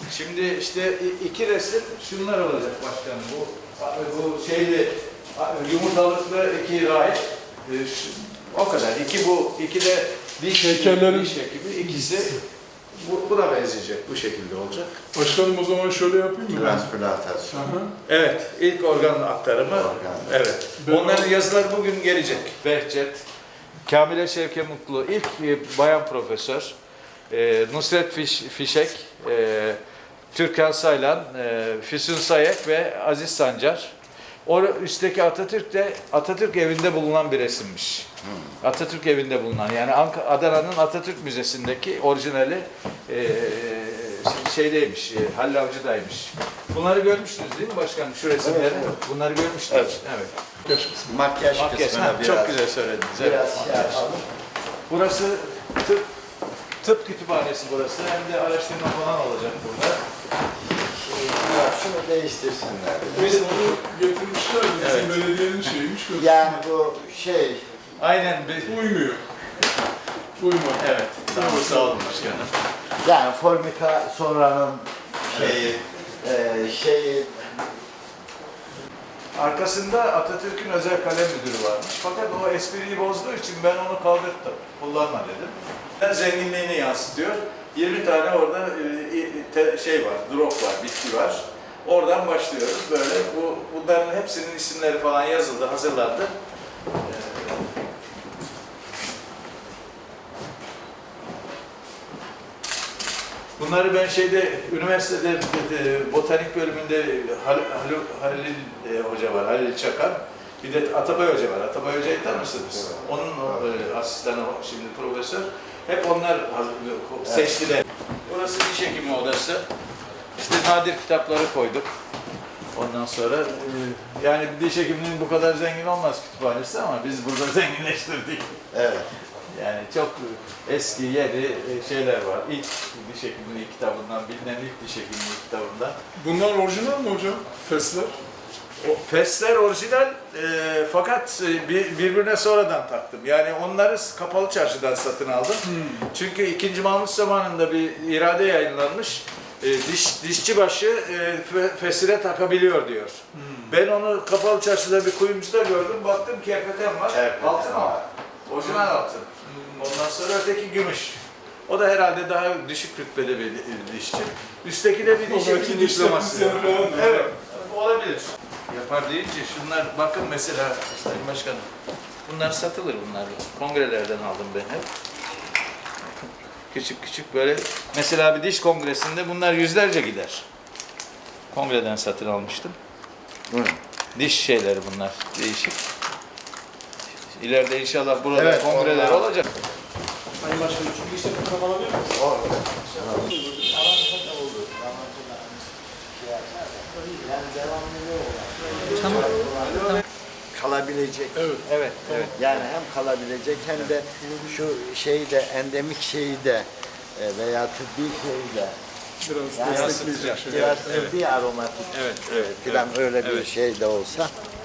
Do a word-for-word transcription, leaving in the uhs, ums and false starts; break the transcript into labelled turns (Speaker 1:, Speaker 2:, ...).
Speaker 1: Şimdi işte iki resim şunlar olacak başkanım. Bu bu şeyli yumurtalıklı iki rahip. O kadar. İki bu, iki de diş
Speaker 2: heykellerin
Speaker 1: diş hekimi. İkisi bu, buna benzeyecek. Bu şekilde olacak.
Speaker 2: Başkanım o zaman şöyle yapayım mı?
Speaker 3: Transplantasyon.
Speaker 1: Evet, ilk organ aktarımı.
Speaker 3: Organ.
Speaker 1: Evet. Onların yazıları bugün gelecek. Behçet, Kamile Şevke Mutlu, ilk e, bayan profesör, e, Nusret Fiş, Fişek, e, Türkan Saylan, e, Füsun Sayek ve Aziz Sancar. O üstteki Atatürk de Atatürk evinde bulunan bir resimmiş. Hmm. Atatürk evinde bulunan, yani Ank- Adana'nın Atatürk Müzesi'ndeki orijinali e, şeydeymiş, e, Halil Avcı'daymış. Bunları görmüştünüz değil mi başkanım, şu resimleri?
Speaker 3: Evet, evet.
Speaker 1: Bunları görmüştünüz.
Speaker 3: Evet.
Speaker 1: Evet.
Speaker 3: Makyaj,
Speaker 1: Makyaj,
Speaker 3: kısmına
Speaker 1: ha,
Speaker 3: biraz,
Speaker 1: çok güzel söylediniz.
Speaker 3: biraz
Speaker 1: Evet.
Speaker 3: şey yapalım.
Speaker 1: Burası tıp, tıp kütüphanesi burası. Hem de araştırma falan olacak burada.
Speaker 3: Ya şunu değiştirsinler.
Speaker 2: Biz onu getirmişler, bizim
Speaker 1: Evet.
Speaker 2: belediyenin şeyiymiş.
Speaker 3: Yani bu şey,
Speaker 1: Aynen. Bir...
Speaker 2: Uymuyor. Uymuyor.
Speaker 1: Evet. Tamam, sağ olun başkanım.
Speaker 3: yani Formika sonranın şeyi, e, şeyi
Speaker 1: Arkasında Atatürk'ün özel kalem müdürü varmış. Fakat o espriyi bozduğu için ben onu kaldırttım. Kullanma dedim. Zenginliğini yansıtıyor. yirmi tane orada e, şey var, drop var, bitki var. Oradan başlıyoruz böyle. Bu bunların hepsinin isimleri falan yazıldı, hazırlandı. Bunları ben şeyde, üniversitede e, botanik bölümünde Hal, Halil, Halil e, Hoca var, Halil Çakar. Bir de Atabay Hoca var. Atabay Hoca'yı tanırsınız. Onun e, asistanı şimdi profesör. Hep onlar seçtiler. Burası diş hekimi odası. İşte nadir kitapları koyduk. Ondan sonra e, yani diş hekimliğinin bu kadar zengin olmaz kütüphanesi ama biz burada zenginleştirdik.
Speaker 3: evet.
Speaker 1: Yani çok eski yeni şeyler var. İlk diş hekimliği kitabından, bilinen ilk diş hekimliği kitabından.
Speaker 2: Bunlar orijinal mi hocam? Fesler.
Speaker 1: O fesler orijinal e, fakat e, bir, birbirine sonradan taktım. Yani onları kapalı çarşıdan satın aldım.
Speaker 2: Hmm.
Speaker 1: Çünkü ikinci Mahmut zamanında bir irade yayınlanmış. E, diş Dişçibaşı e, fe, fesire takabiliyor diyor.
Speaker 2: Hmm.
Speaker 1: Ben onu kapalı çarşıda bir kuyumcuda gördüm. Baktım kerpeten var.
Speaker 3: Kerpeten
Speaker 1: altın o.
Speaker 3: var.
Speaker 1: Orijinal altın. Ondan sonra öteki gümüş. O da herhalde daha düşük rütbede bir dişçi. Üstteki de bir diş hekimi diploması. Evet, olabilir. Yapar deyince şunlar, bakın mesela Sayın Başkanım, bunlar satılır bunlar. Kongrelerden aldım ben hep. Küçük küçük böyle, mesela bir diş kongresinde bunlar yüzlerce gider. Kongreden satın almıştım.
Speaker 3: Hı.
Speaker 1: Diş şeyleri bunlar, değişik. İleride inşallah burada
Speaker 3: Evet,
Speaker 1: kongreler
Speaker 3: onlar-
Speaker 1: olacak.
Speaker 4: Sayın Başkanım, çünkü işte bu kapanabilir mi?
Speaker 3: Orada. Kalabilecek.
Speaker 2: Evet.
Speaker 1: Evet, evet.
Speaker 3: Yani hem kalabilecek hem de şu şeyi de endemik şeyi de e, veya tıbbi şeyi de
Speaker 2: Biraz
Speaker 3: yani
Speaker 2: destekleyecek şey.
Speaker 3: biraz
Speaker 1: Evet.
Speaker 3: tıbbi aromatik
Speaker 1: Evet,
Speaker 3: evet,
Speaker 1: evet,
Speaker 3: filan
Speaker 1: evet,
Speaker 3: öyle bir
Speaker 1: evet.
Speaker 3: şey de olsa